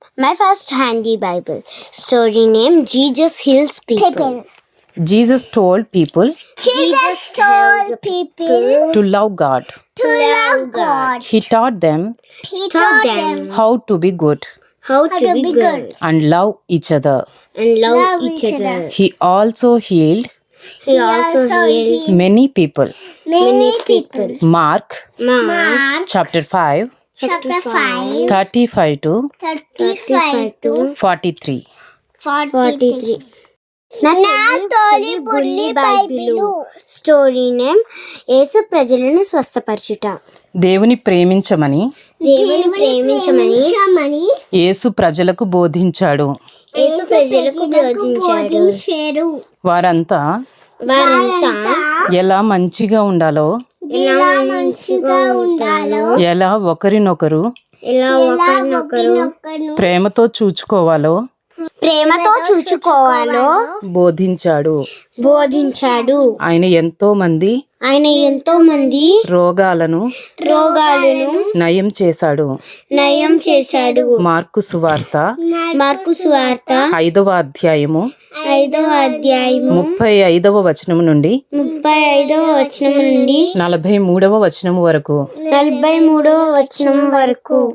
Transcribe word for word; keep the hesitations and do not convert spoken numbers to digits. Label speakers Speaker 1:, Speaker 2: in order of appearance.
Speaker 1: My first handy Bible. Story name Jesus Heals People.
Speaker 2: Jesus told people
Speaker 1: Jesus told people
Speaker 2: to love God.
Speaker 1: to love God.
Speaker 2: He taught them
Speaker 1: He taught them
Speaker 2: how to be good
Speaker 1: how to be good
Speaker 2: and love each other.
Speaker 1: and love each other.
Speaker 2: He also healed
Speaker 1: He also healed
Speaker 2: many people.
Speaker 1: many people.
Speaker 2: Mark
Speaker 1: Mark
Speaker 2: chapter five,
Speaker 1: chapter five,
Speaker 2: thirty-five to
Speaker 1: thirty-five to
Speaker 2: forty-three.
Speaker 1: forty-three. నా తొలి బుల్లి Bible. Story name యేసు ప్రజలను స్వస్థపరచుట.
Speaker 2: దేవుని ప్రేమించమని
Speaker 1: దేవుని ప్రేమించమని
Speaker 2: యేసు ప్రజలకు బోధించాడు.
Speaker 1: యేసు ప్రజలకు బోధించాడు.
Speaker 2: వారంతా
Speaker 1: వారంతా
Speaker 2: ఎలా మంచిగా ఉండాలో,
Speaker 1: ఎలా మంచిగా ఉండాలో,
Speaker 2: ఎలా ఒకరినొకరు
Speaker 1: ఎలా ఒకరినొకరు
Speaker 2: ప్రేమతో చూచుకోవాలో
Speaker 1: ప్రేమతో చూచుకోవాలో
Speaker 2: బోధించాడు.
Speaker 1: బోధించాడు.
Speaker 2: ఆయన ఎంతో మంది
Speaker 1: ఆయన ఎంతో మంది
Speaker 2: రోగాలను
Speaker 1: రోగాలను
Speaker 2: నయం చేశాడు.
Speaker 1: నయం చేశాడు.
Speaker 2: మార్కు సువార్త
Speaker 1: మార్కు సువార్త
Speaker 2: ఐదవ అధ్యాయము
Speaker 1: ఐదవ అధ్యాయము
Speaker 2: ముప్పై ఐదవ వచనము నుండి
Speaker 1: ముప్పై ఐదవ వచనం నుండి
Speaker 2: నలభై మూడవ వచనము వరకు.
Speaker 1: నలభై మూడవ వచనం వరకు.